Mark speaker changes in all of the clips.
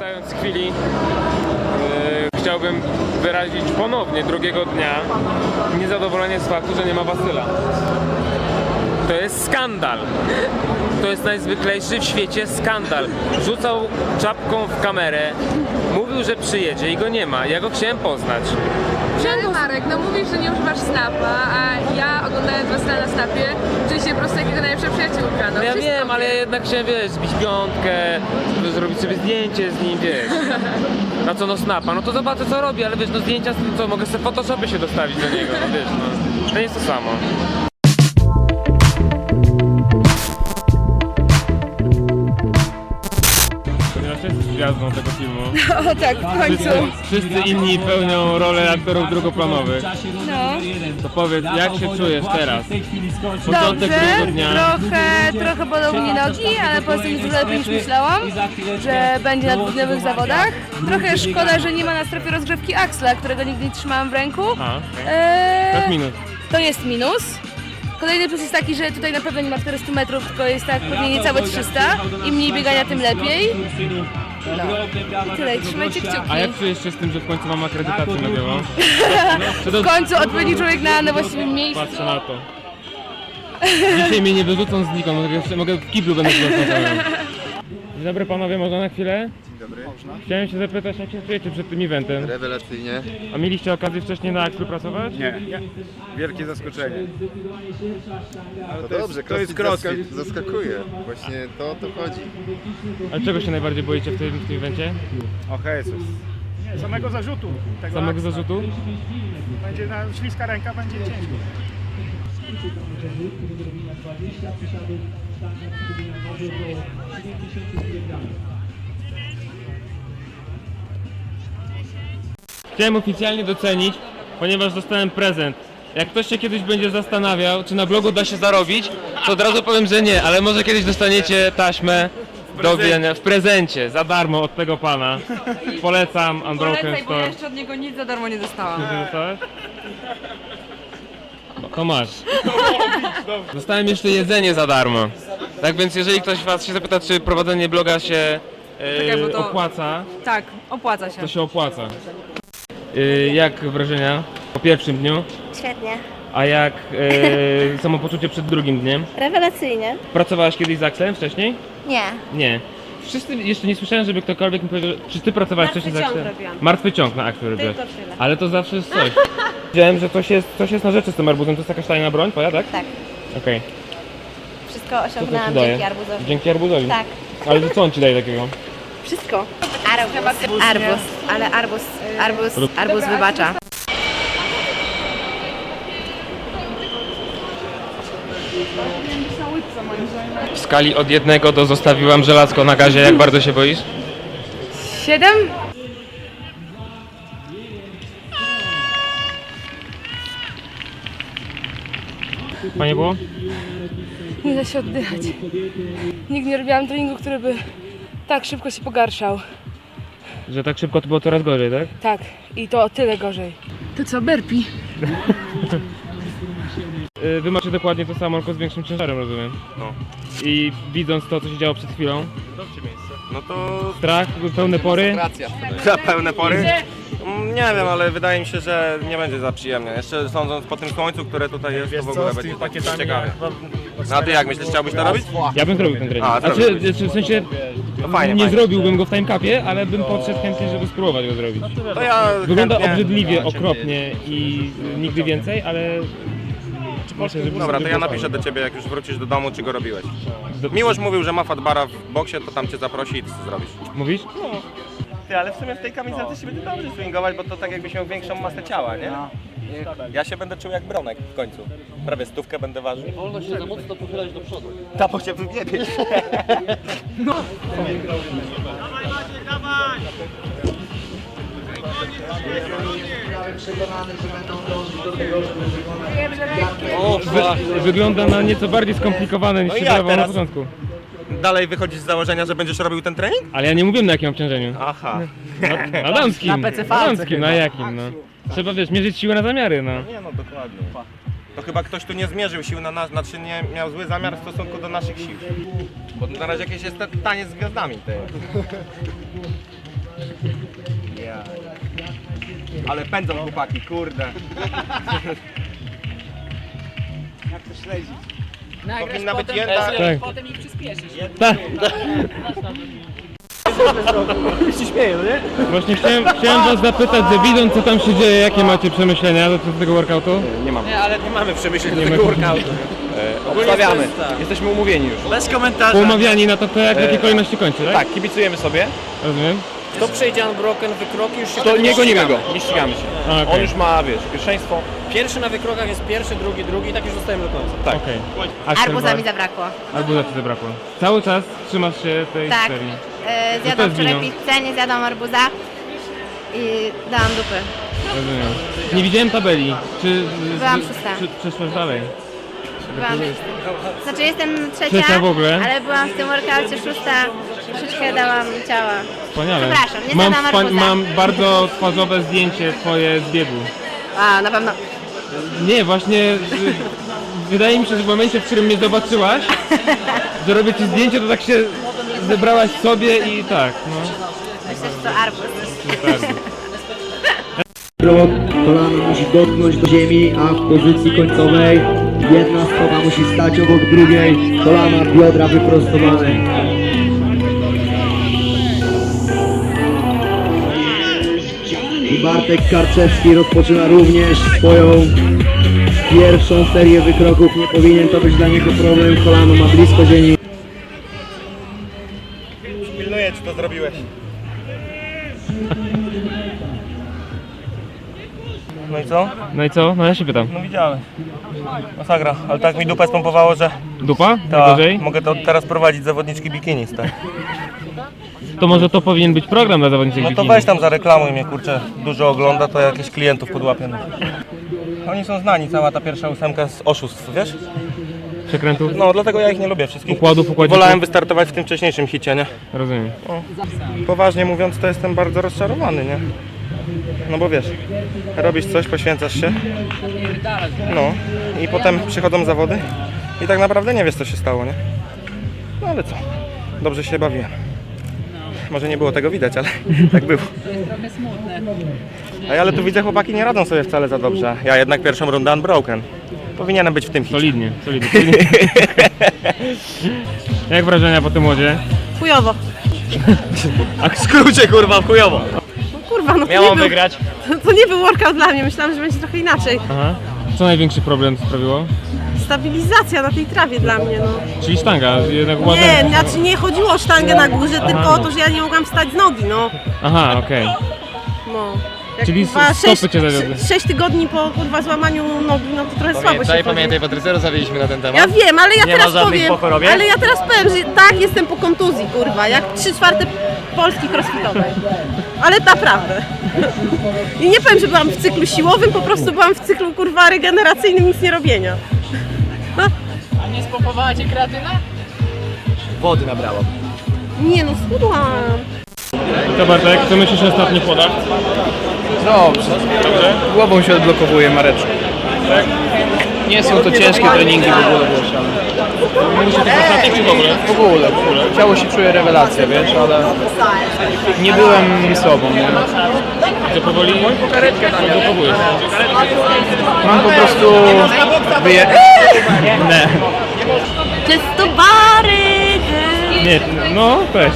Speaker 1: korzystając z chwili, chciałbym wyrazić ponownie drugiego dnia niezadowolenie z faktu, że nie ma Wasyla. To jest skandal. To jest najzwyklejszy w świecie skandal. Rzucał czapką w kamerę, mówił, że przyjedzie i go nie ma. Ja go chciałem poznać.
Speaker 2: Ale Marek, no mówisz, że nie używasz Snapa, a ja oglądając was na Snapie czuję się po prostu jak jego najlepsza przyjaciółka.
Speaker 1: No ja wiem, ale ja jednak chciałem, wiesz, zbić piątkę, żeby zrobić sobie zdjęcie z nim, wiesz. Na co no Snapa? No to zobaczę co robi, ale wiesz, no zdjęcia, co mogę sobie w Photoshopie się dostawić do niego, no wiesz, no. To nie jest to samo. Ponieważ jesteś gwiazdą tego filmu.
Speaker 3: O tak, w końcu.
Speaker 1: Wszyscy inni pełnią rolę aktorów drugoplanowych.
Speaker 3: No.
Speaker 1: To powiedz, jak się czujesz teraz? Początek
Speaker 3: Dobrze,
Speaker 1: drugiego dnia.
Speaker 3: trochę bolą mnie nogi, ale po prostu jest dużo lepiej niż myślałam, że będzie na dwudniowych zawodach. Trochę szkoda, że nie ma na strefie rozgrzewki Axla, którego nigdy nie trzymałam w ręku.
Speaker 1: To jest minus.
Speaker 3: To jest minus. Kolejny plus jest taki, że tutaj na pewno nie ma 400 metrów, tylko jest tak pewnie niecałe 300. Im mniej biegania, tym lepiej. No. I tyle, trzymajcie kciuki.
Speaker 1: A jak czujesz się z tym, że w końcu mam akredytację na białą?
Speaker 3: W końcu odpowiedni człowiek na właściwym miejscu.
Speaker 1: Patrzę na to. Dzisiaj mnie nie wyrzucą znikąd, mogę w kiblu będę głosował. Dzień dobry panowie, można na chwilę?
Speaker 4: Dzień dobry. Można?
Speaker 1: Chciałem się zapytać, jak się czujecie przed tym eventem?
Speaker 4: Rewelacyjnie.
Speaker 1: A mieliście okazję wcześniej na Axlu pracować?
Speaker 5: Nie. Wielkie zaskoczenie.
Speaker 4: No dobrze,
Speaker 5: to jest crossfit.
Speaker 4: Zaskakuje. Właśnie to o to chodzi.
Speaker 1: Ale czego się najbardziej boicie w tym evencie?
Speaker 5: O Jezus.
Speaker 6: Nie, samego zarzutu. Tego
Speaker 1: Samego
Speaker 6: akta.
Speaker 1: zarzutu?
Speaker 6: Będzie na śliska ręka, będzie ciężko.
Speaker 1: Chciałem oficjalnie docenić, ponieważ dostałem prezent. Jak ktoś się kiedyś będzie zastanawiał, czy na blogu da się zarobić, to od razu powiem, że nie, ale może kiedyś dostaniecie taśmę w prezencie, za darmo od tego pana. Polecam Unbroken
Speaker 2: Polecaj, bo ja
Speaker 1: Store.
Speaker 2: jeszcze od niego nic za darmo nie dostałam.
Speaker 1: Ty dostałeś? To masz. Dostałem jeszcze jedzenie za darmo. Tak więc jeżeli ktoś was się zapyta, czy prowadzenie bloga się
Speaker 2: Czekaj, bo to-
Speaker 1: opłaca,
Speaker 2: Tak, opłaca się.
Speaker 1: to się opłaca. Jak wrażenia po pierwszym dniu?
Speaker 7: Świetnie.
Speaker 1: A jak samopoczucie przed drugim dniem?
Speaker 7: Rewelacyjnie.
Speaker 1: Pracowałaś kiedyś z Axlem wcześniej?
Speaker 7: Nie.
Speaker 1: Nie. Wszyscy jeszcze nie słyszałem, żeby ktokolwiek mi powiedział, czy ty pracowałaś wcześniej z Axlem? Martwy ciąg na Axlu robiłaś.
Speaker 7: Tylko tyle.
Speaker 1: Ale to zawsze jest coś. Wiedziałem, że coś jest na rzeczy z tym arbuzem. To jest jakaś tajna broń twoja, tak?
Speaker 7: Tak.
Speaker 1: Okej.
Speaker 7: Wszystko
Speaker 1: Co to
Speaker 7: osiągnęłam
Speaker 1: ci daje?
Speaker 7: dzięki arbuzowi.
Speaker 1: Dzięki arbuzowi?
Speaker 7: Tak.
Speaker 1: Ale to co on ci daje takiego?
Speaker 7: Wszystko. Arbuz wybacza.
Speaker 1: W skali od 1 do zostawiłam żelazko na gazie. Jak bardzo się boisz?
Speaker 3: 7?
Speaker 1: Fajnie było?
Speaker 3: Nie da się oddychać. Nigdy nie robiłam treningu, który by tak szybko się pogarszał.
Speaker 1: Że tak szybko to było coraz gorzej, tak?
Speaker 3: Tak, i to o tyle gorzej. To co, burpee?
Speaker 1: Wy macie dokładnie to samo, tylko z większym ciężarem, rozumiem.
Speaker 8: No.
Speaker 1: I widząc to, co się działo przed chwilą,
Speaker 8: No to
Speaker 1: strach, pełne pory.
Speaker 8: za pełne pory? Nie wiem, ale wydaje mi się, że nie będzie za przyjemnie. Jeszcze sądząc po tym słońcu, które tutaj jest, to w ogóle będzie tak ciekawie. No a ty jak myślisz, chciałbyś to robić?
Speaker 1: Ja bym zrobił ten trening.
Speaker 8: A,
Speaker 1: Znaczy, w sensie
Speaker 8: To fajnie,
Speaker 1: nie
Speaker 8: fajnie.
Speaker 1: zrobiłbym go w timecapie, ale bym podszedł chętnie, żeby spróbować go zrobić.
Speaker 8: To ja
Speaker 1: Wygląda
Speaker 8: chętnie...
Speaker 1: obrzydliwie, okropnie i nigdy więcej, ale myślę, że
Speaker 8: Dobra, to ja napiszę do ciebie, jak już wrócisz do domu, czy go robiłeś. Miłosz mówił, że ma fatbara w boksie, to tam cię zaprosi i ty co zrobisz.
Speaker 1: Mówisz?
Speaker 8: Ty, ale w sumie w tej kamizelce się będzie dobrze swingować, bo to tak jakbyś miał większą masę ciała, nie? Ja się będę czuł jak Bronek w końcu. Prawie 100 będę ważył. Nie wolno się za mocno pochylać do przodu. Ta, bo cię wybiebie.
Speaker 1: Wygląda na nieco bardziej skomplikowane niż
Speaker 8: No i
Speaker 1: się
Speaker 8: jak
Speaker 1: wydawało na
Speaker 8: teraz?
Speaker 1: początku.
Speaker 8: Dalej wychodzisz z założenia, że będziesz robił ten trening?
Speaker 1: Ale ja nie mówiłem na jakim obciążeniu.
Speaker 8: Aha.
Speaker 1: Na damskim. Na damskim, na jakim, no. Trzeba, wiesz, mierzyć siłę na zamiary, no.
Speaker 8: Nie no, dokładnie. To chyba ktoś tu nie zmierzył sił na nas, znaczy nie miał zły zamiar w stosunku do naszych sił. Bo na razie jakieś jest taniec z gwiazdami. Ja. Ale pędzą chłopaki, kurde.
Speaker 6: Jak to śledzić?
Speaker 8: Powinna być jedna...
Speaker 1: Tak.
Speaker 6: Potem ich przyspieszysz.
Speaker 1: Tak. Właśnie chciałem was zapytać, że widząc co tam się dzieje, jakie macie przemyślenia dotyczące tego workoutu?
Speaker 8: Nie mamy przemyśleń do tego workoutu.
Speaker 9: Obstawiamy. Jesteśmy umówieni już.
Speaker 6: Bez komentarza.
Speaker 1: Umawiani na to, kto jak w jakiej kolejności kończy, tak?
Speaker 9: Tak, kibicujemy sobie.
Speaker 1: Rozumiem.
Speaker 9: Kto przejdzie unbroken wykroki, już się to nie gonimy go. Nie ścigamy się.
Speaker 1: A, okej.
Speaker 9: On już ma, wiesz, pierwszeństwo. Pierwszy na wykrokach jest pierwszy, drugi i tak już zostajemy do końca. Tak.
Speaker 1: Okej.
Speaker 7: Arbuza mi zabrakło.
Speaker 1: Arbuza ci zabrakło. Cały czas trzymasz się tej
Speaker 7: Tak.
Speaker 1: serii. to
Speaker 7: Zjadłam
Speaker 1: jest
Speaker 7: wczoraj
Speaker 1: wino.
Speaker 7: pizzę, nie zjadłam arbuza i dałam dupy.
Speaker 1: Rozumiem. Nie widziałem tabeli. Czy
Speaker 7: Byłam szósta.
Speaker 1: Czy przeszłaś dalej?
Speaker 7: Byłam Znaczy jestem
Speaker 1: Trzecia w ogóle?
Speaker 7: ale byłam w tym workoucie szósta. Troszeczkę dałam ciała.
Speaker 1: Wspaniale.
Speaker 7: Przepraszam, nie zjadłam arbuza.
Speaker 1: Mam bardzo twarzowe zdjęcie twoje z biegu.
Speaker 7: A, na pewno.
Speaker 1: Nie, właśnie wydaje mi się, że w momencie, w którym mnie zobaczyłaś, że robię ci zdjęcie, to tak się zebrałaś sobie i tak, no.
Speaker 7: Myślę, że to arbuz.
Speaker 1: Super.
Speaker 10: Krok, kolano musi dotknąć do ziemi, a w pozycji końcowej jedna stopa musi stać obok drugiej, kolana, biodra wyprostowane. I Bartek Karczewski rozpoczyna również swoją pierwszą serię wykroków. Nie powinien to być dla niego problem, kolano ma blisko ziemi.
Speaker 8: Pilnuję, czy to zrobiłeś. No i co?
Speaker 1: No i co? No ja się pytam.
Speaker 8: No widziałem. Masakra, ale tak mi dupę spompowało, że
Speaker 1: Dupa?
Speaker 8: ta,
Speaker 1: Najgorzej?
Speaker 8: mogę to teraz prowadzić zawodniczki bikini, tak.
Speaker 1: To może to powinien być program dla zawodniczych
Speaker 8: No to
Speaker 1: bikini.
Speaker 8: weź tam zareklamuj mnie, kurczę, dużo ogląda, to jakichś klientów podłapię. No. Oni są znani, cała ta pierwsza ósemka z oszustw, wiesz?
Speaker 1: Przekrętów?
Speaker 8: No, dlatego ja ich nie lubię wszystkich.
Speaker 1: Układów, układzików?
Speaker 8: Wolałem wystartować w tym wcześniejszym hicie, nie?
Speaker 1: Rozumiem.
Speaker 8: Poważnie mówiąc, to jestem bardzo rozczarowany, nie? No bo wiesz, robisz coś, poświęcasz się, no i potem przychodzą zawody i tak naprawdę nie wiesz, co się stało, nie? No ale co, dobrze się bawiłem. Może nie było tego widać, ale tak było.
Speaker 6: Trochę smutne.
Speaker 8: Ej, ale tu widzę, chłopaki nie radzą sobie wcale za dobrze. Ja jednak pierwszą rundę unbroken. Powinienem być w tym hicie.
Speaker 1: Solidnie. Jak wrażenia po tym łodzie?
Speaker 7: Chujowo.
Speaker 9: A w skrócie, kurwa, chujowo.
Speaker 7: Kurwa, no
Speaker 9: Miałam wygrać.
Speaker 7: to nie był workout dla mnie, myślałam, że będzie trochę inaczej.
Speaker 1: Aha. Co największy problem sprawiło?
Speaker 7: Stabilizacja na tej trawie dla mnie, no.
Speaker 1: Czyli sztanga, jednak ładna.
Speaker 7: Nie, znaczy nie chodziło o sztangę na górze, tylko o to, że ja nie mogłam wstać z nogi, no.
Speaker 1: Aha, okej.
Speaker 7: No. Jak,
Speaker 1: Czyli
Speaker 7: kurwa,
Speaker 1: stopy cię zawiodły.
Speaker 7: 6 tygodni po kurwa złamaniu nogi, no to trochę słabo się chodzi.
Speaker 9: Pamiętaj, Patrycero, zawieźliśmy na ten temat.
Speaker 7: Ja wiem, ale ja
Speaker 9: Nie ma
Speaker 7: teraz
Speaker 9: żadnych
Speaker 7: powiem,
Speaker 9: po chorobie?
Speaker 7: ale ja teraz powiem, że tak, jestem po kontuzji, kurwa, jak 3/4 Polski crossfitowej. Ale naprawdę. I nie powiem, że byłam w cyklu siłowym, po prostu byłam w cyklu, kurwa, regeneracyjnym, nic nie robienia.
Speaker 6: A nie spompowała cię kreatyna?
Speaker 9: Wody nabrałam.
Speaker 7: Nie no, schudłam.
Speaker 1: Co Bartek, co myślisz o ostatnich podach?
Speaker 9: Dobrze. Głową się odblokowuje, Mareczku.
Speaker 1: Tak?
Speaker 9: Nie są to ciężkie treningi w ogóle, wiesz, ale...
Speaker 1: Musi tych ostatnich czy w ogóle?
Speaker 9: W ogóle. Ciało się czuje rewelacja, wiesz, ale... Nie byłem sobą, nie?
Speaker 1: Że powoli odblokowujesz.
Speaker 9: Mam po prostu...
Speaker 1: Nie.
Speaker 3: Czysto bary!
Speaker 1: Nie, no też.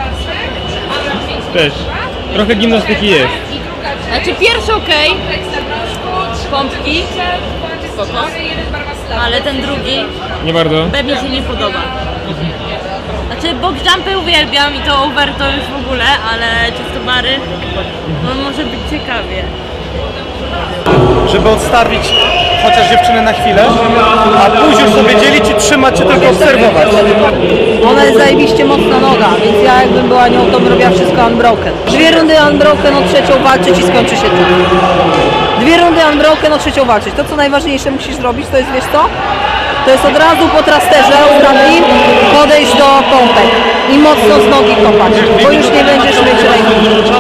Speaker 1: Też. Trochę gimnastyki jest.
Speaker 3: Znaczy pierwszy okej, pompki, spoko, ale ten drugi
Speaker 1: Nie bardzo.
Speaker 3: pewnie się nie podoba. Znaczy box jumpy uwielbiam i to over to już w ogóle, ale czysto bary, no może być ciekawie.
Speaker 5: Żeby odstawić chociaż dziewczynę na chwilę, a później sobie dzielić i trzymać się, tylko obserwować.
Speaker 11: Ona jest zajebiście mocna noga, więc ja jakbym była nią, to bym robiła wszystko unbroken. 2 rundy unbroken, o trzecią walczyć i skończy się tym. 2 rundy unbroken, o trzecią walczyć. To co najważniejsze musisz zrobić, to jest, wiesz co? To jest od razu po trasterze ostatni podejść do pompek i mocno z nogi kopać, bo już nie będziesz mieć ręki.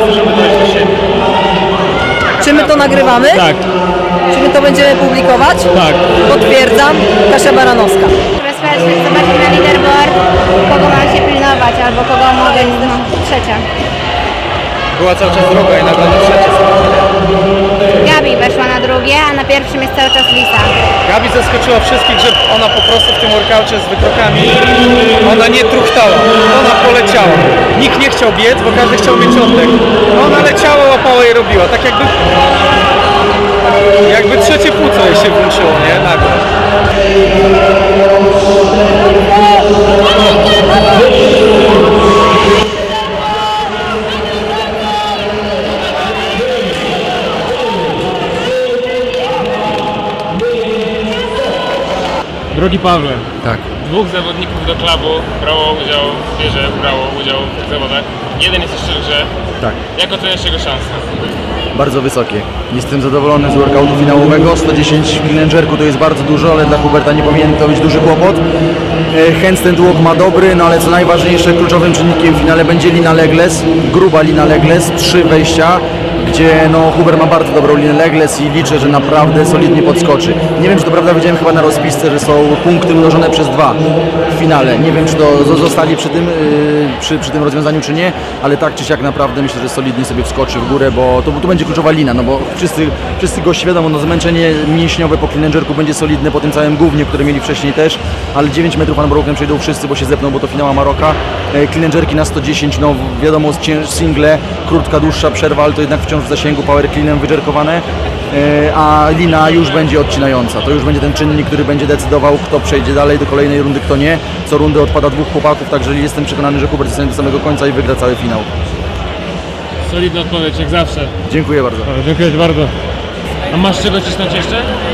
Speaker 11: Czy my to nagrywamy?
Speaker 1: Tak,
Speaker 11: Czy my to będziemy publikować?
Speaker 1: tak.
Speaker 11: Potwierdzam, Kasia Baranowska.
Speaker 7: Zobaczmy na leaderboard, kogo mam się pilnować, albo kogo mogę, trzecia.
Speaker 9: była cały czas droga i nagle na trzecie.
Speaker 3: Gabi weszła na drugie, a na pierwszym jest cały czas Lisa.
Speaker 5: Gabi zaskoczyła wszystkich, że ona po prostu w tym workaucie z wykrokami, ona nie truchtała, ona poleciała. Nikt nie chciał biec, bo każdy chciał mieć oddech. Ona leciała, łapała i robiła, tak jakby trzecie płuco jej się włączyło, nie? Nagle.
Speaker 1: Drogi Pawle,
Speaker 10: Tak.
Speaker 1: dwóch zawodników do klubu brało udział w tych zawodach. Jeden jest jeszcze w grze.
Speaker 10: Tak.
Speaker 1: Jak oceniasz jego szanse?
Speaker 10: Bardzo wysokie. Jestem zadowolony z workoutu finałowego. 110 clean jerku to jest bardzo dużo, ale dla Huberta nie powinien to być duży kłopot. Handstand walk ma dobry, no ale co najważniejsze, kluczowym czynnikiem w finale będzie lina legless, gruba lina legless, 3 wejścia, gdzie no Hubert ma bardzo dobrą linę legless i liczę, że naprawdę solidnie podskoczy. Nie wiem, czy to prawda, widziałem chyba na rozpisce, że są punkty mnożone przez 2 w finale. Nie wiem, czy to zostali przy tym, przy tym rozwiązaniu, czy nie, ale tak czy siak naprawdę myślę, że solidnie sobie wskoczy w górę, bo tu będzie kluczowa lina, no bo wszyscy goście wiadomo, no zmęczenie mięśniowe po clean and jerku będzie solidne po tym całym gównie, które mieli wcześniej też, ale 9 metrów unbroken przejdą wszyscy, bo się zepną, bo to finała Maroka. Clean and jerki na 110, no wiadomo, single, krótka, dłuższa przerwa, ale to jednak wciąż w zasięgu power cleanem wydżerkowane, a lina już będzie odcinająca. To już będzie ten czynnik, który będzie decydował, kto przejdzie dalej do kolejnej rundy, kto nie. Co rundę odpada 2 chłopaków, także jestem przekonany, że Hubert zostanie do samego końca i wygra cały finał.
Speaker 1: Solidna odpowiedź, jak zawsze.
Speaker 10: Dziękuję bardzo.
Speaker 1: Dziękuję Ci bardzo. A masz czego cisnąć jeszcze?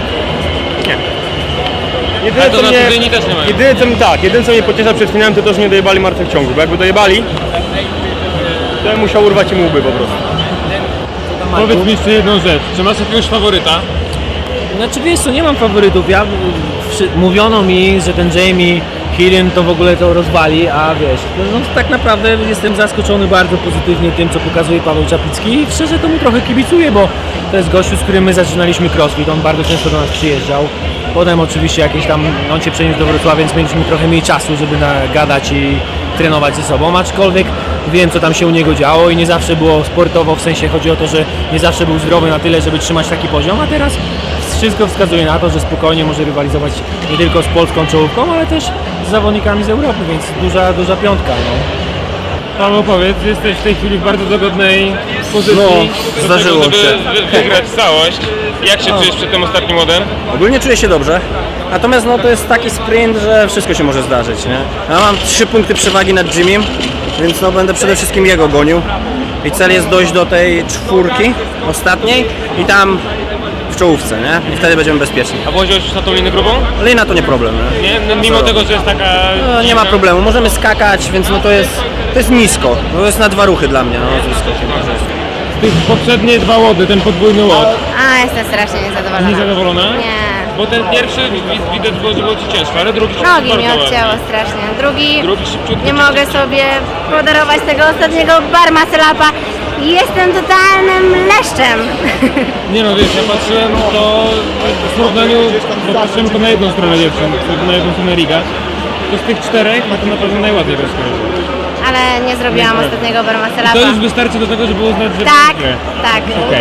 Speaker 1: Ale to na Tudyni też nie mają.
Speaker 5: Jedyne co mnie pociesza przed finałem, to że nie dojebali martwych ciągów, bo jakby dojebali, to ja musiał urwać im łby po prostu.
Speaker 1: Powiedz mi jeszcze jedną rzecz, czy masz jakiegoś faworyta?
Speaker 12: Znaczy wiesz co, nie mam faworytów, mówiono mi, że ten Jamie Hillen to w ogóle to rozwali, a wiesz, no tak naprawdę jestem zaskoczony bardzo pozytywnie tym, co pokazuje Paweł Czaplicki i szczerze to mu trochę kibicuję, bo to jest gościu, z którym my zaczynaliśmy crossfit, on bardzo często do nas przyjeżdżał. Potem oczywiście jakieś tam, on się przeniósł do Wrocławia, więc mieliśmy trochę mniej czasu, żeby gadać i trenować ze sobą, aczkolwiek wiem, co tam się u niego działo i nie zawsze było sportowo, w sensie chodzi o to, że nie zawsze był zdrowy na tyle, żeby trzymać taki poziom, a teraz wszystko wskazuje na to, że spokojnie może rywalizować nie tylko z polską czołówką, ale też z zawodnikami z Europy, więc duża piątka. No.
Speaker 1: Paweł, powiedz, jesteś w tej chwili w bardzo dogodnej pozycji.
Speaker 5: No, zdarzyło
Speaker 1: żeby
Speaker 5: się.
Speaker 1: wygrać całość. Jak się czujesz przed tym ostatnim łodem?
Speaker 5: Ogólnie czuję się dobrze, natomiast no to jest taki sprint, że wszystko się może zdarzyć, nie? Ja mam 3 punkty przewagi nad Jimmym, więc no będę przede wszystkim jego gonił i cel jest dojść do tej 4 ostatniej i tam w czołówce, nie? I wtedy będziemy bezpieczni.
Speaker 1: A włożyłeś już na tą linę grubą?
Speaker 5: Lina to nie problem, nie?
Speaker 1: Nie? No, mimo tego, że jest taka...
Speaker 5: No, nie ma problemu, możemy skakać, więc no to jest nisko, to jest na 2 ruchy dla mnie, no z wyskokiem.
Speaker 1: Tych poprzednie 2 łody, ten podwójny łod.
Speaker 3: A, jestem strasznie niezadowolona.
Speaker 1: Niezadowolona?
Speaker 3: Nie.
Speaker 1: Bo ten pierwszy widać było, że było Ci ciężko, ale drugi
Speaker 3: Nogi
Speaker 1: bardzo
Speaker 3: mi
Speaker 1: ładnie.
Speaker 3: odcięło strasznie. Drugi
Speaker 1: szybciutko.
Speaker 3: nie mogę sobie podarować tego ostatniego bar muscle-upa. Jestem totalnym leszczem.
Speaker 1: Nie no, wiesz, ja patrzyłem to w porównaniu, bo patrzyłem to na jedną stronę dziewczyn, na jedną stronę Riga. To z tych 4 no to na pewno najładniej rozkojarzy.
Speaker 3: Ale nie zrobiłam ostatniego bar muscle-upa.
Speaker 1: To już wystarczy do tego, żeby uznać, że...
Speaker 3: Tak, tak.
Speaker 1: Okej.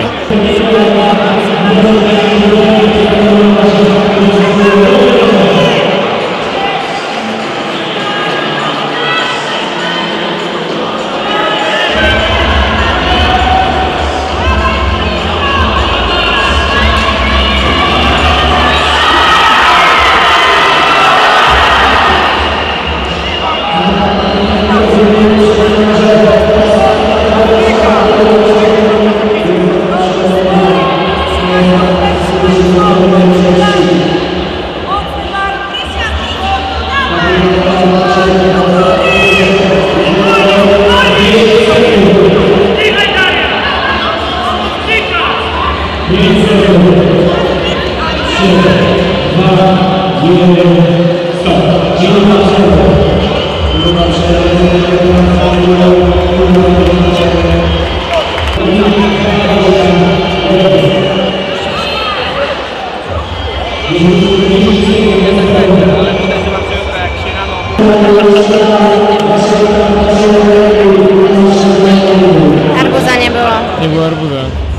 Speaker 1: nie było arbuza.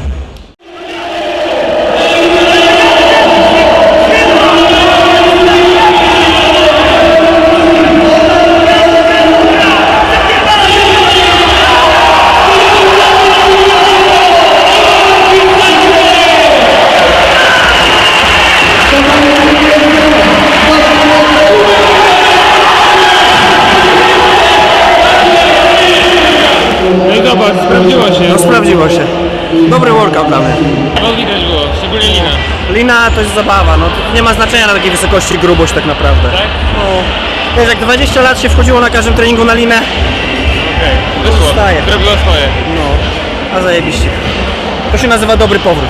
Speaker 1: No i zobacz, sprawdziło się.
Speaker 5: No sprawdziło się. Dobry workout dla mnie.
Speaker 1: No widać było, szczególnie lina.
Speaker 5: Lina to jest zabawa, no to nie ma znaczenia na takiej wysokości grubość tak naprawdę.
Speaker 1: Tak?
Speaker 5: No, wiesz, jak 20 lat się wchodziło na każdym treningu na linę,
Speaker 1: Okej, wyszło.
Speaker 5: Zostaje.
Speaker 1: Zrobiło swoje.
Speaker 5: no, a zajebiście. To się nazywa dobry powrót.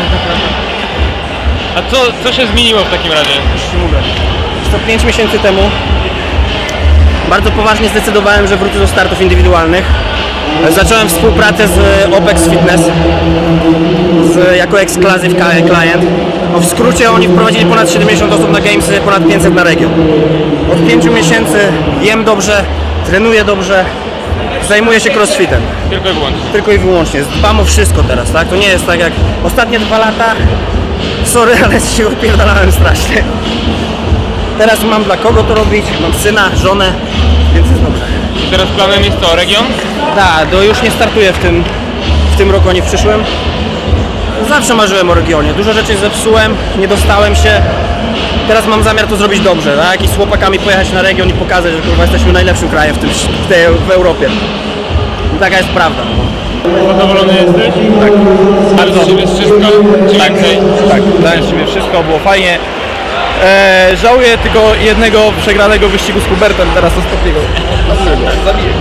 Speaker 1: A co się zmieniło w takim razie?
Speaker 5: Już ci mówię. Jest to 5 miesięcy temu. Bardzo poważnie zdecydowałem, że wrócę do startów indywidualnych. Zacząłem współpracę z OPEX Fitness jako exclusive client. No w skrócie oni wprowadzili ponad 70 osób na Gamesy, ponad 500 na region. Od 5 miesięcy jem dobrze, trenuję dobrze, zajmuję się crossfitem.
Speaker 1: Tylko i wyłącznie.
Speaker 5: Tylko i wyłącznie. Dbam o wszystko teraz, tak? To nie jest tak jak ostatnie 2 lata. Sorry, ale się opierdalałem strasznie. Teraz mam dla kogo to robić, mam syna, żonę, więc jest dobrze.
Speaker 1: I teraz planem jest to region?
Speaker 5: Tak, to już nie startuję w tym roku ani w przyszłym. Zawsze marzyłem o regionie. Dużo rzeczy zepsułem, nie dostałem się. Teraz mam zamiar to zrobić dobrze, tak? I z chłopakami pojechać na region i pokazać, że kurwa jesteśmy najlepszym krajem w Europie. I taka jest prawda.
Speaker 1: Zadowolony jesteś?
Speaker 9: Tak.
Speaker 1: Bardzo. Czy jest wszystko? Czy więcej?
Speaker 9: Tak, dałem z siebie wszystko, było fajnie. Żałuję tylko jednego przegranego wyścigu z Hubertem, teraz ostatniego. Zabiję.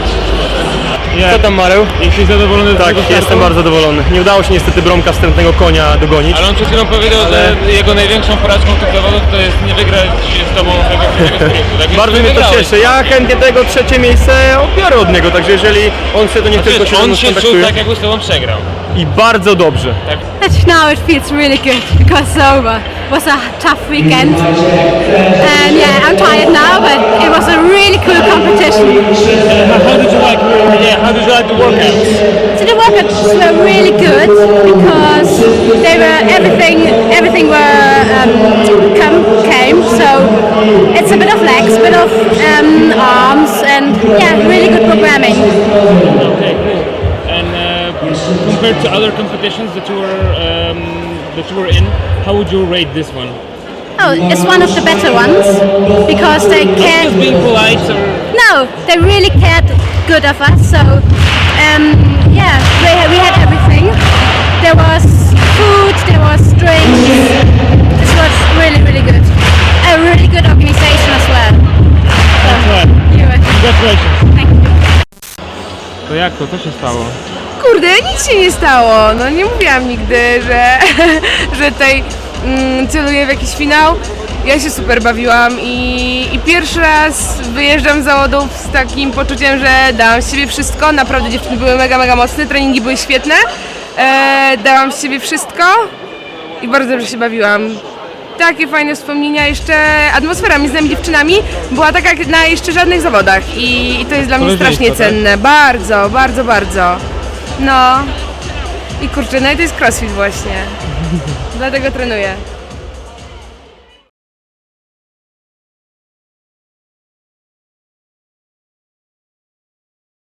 Speaker 1: Co tam, Mareł? Jesteś zadowolony z tego startu?
Speaker 9: Jestem bardzo zadowolony. Nie udało się niestety Bromka wstępnego konia dogonić.
Speaker 1: Ale on przed chwilą powiedział, że jego największą porażką tych zawodów to jest nie wygrać z tobą tego sprintu. Tak?
Speaker 9: Bardzo
Speaker 1: Więc
Speaker 9: mnie to
Speaker 1: wygrałeś.
Speaker 9: cieszy. Ja chętnie tego trzecie miejsce obiorę od niego, także jeżeli on chce, to niech tylko się ze
Speaker 1: On
Speaker 9: mną
Speaker 1: się czuł
Speaker 9: skontaktuje.
Speaker 1: tak, jakby z tobą przegrał.
Speaker 9: I bardzo dobrze.
Speaker 3: Now it feels really good because it's over. It was a tough weekend, and yeah, I'm tired now, but it was a really cool competition.
Speaker 1: How did you like the workouts?
Speaker 3: So the workouts were really good because they were everything were came. So it's a bit of legs, bit of arms, and yeah, really good programming.
Speaker 1: Okay, cool. And compared to other competitions that you were in, how would you rate this one?
Speaker 3: Oh, it's one of the better ones because they cared.
Speaker 1: Just being polite, or
Speaker 3: No, they really cared good of us. So yeah, we had everything. There was food, there was drinks. This was really good. A really good organization as well.
Speaker 1: congratulations.
Speaker 3: Thank you.
Speaker 1: To jak to? Co się stało?
Speaker 2: Kurde, nic się nie stało. No nie mówiłam nigdy, że tutaj celuję w jakiś finał. Ja się super bawiłam i pierwszy raz wyjeżdżam z zawodów z takim poczuciem, że dałam z siebie wszystko. Naprawdę dziewczyny były mega mocne, treningi były świetne. Dałam z siebie wszystko i bardzo dobrze się bawiłam. Takie fajne wspomnienia, jeszcze atmosfera między nami dziewczynami była taka jak na jeszcze żadnych zawodach i to jest dla mnie strasznie cenne. Bardzo. No i kurczę, no i to jest crossfit właśnie. Dlatego trenuję.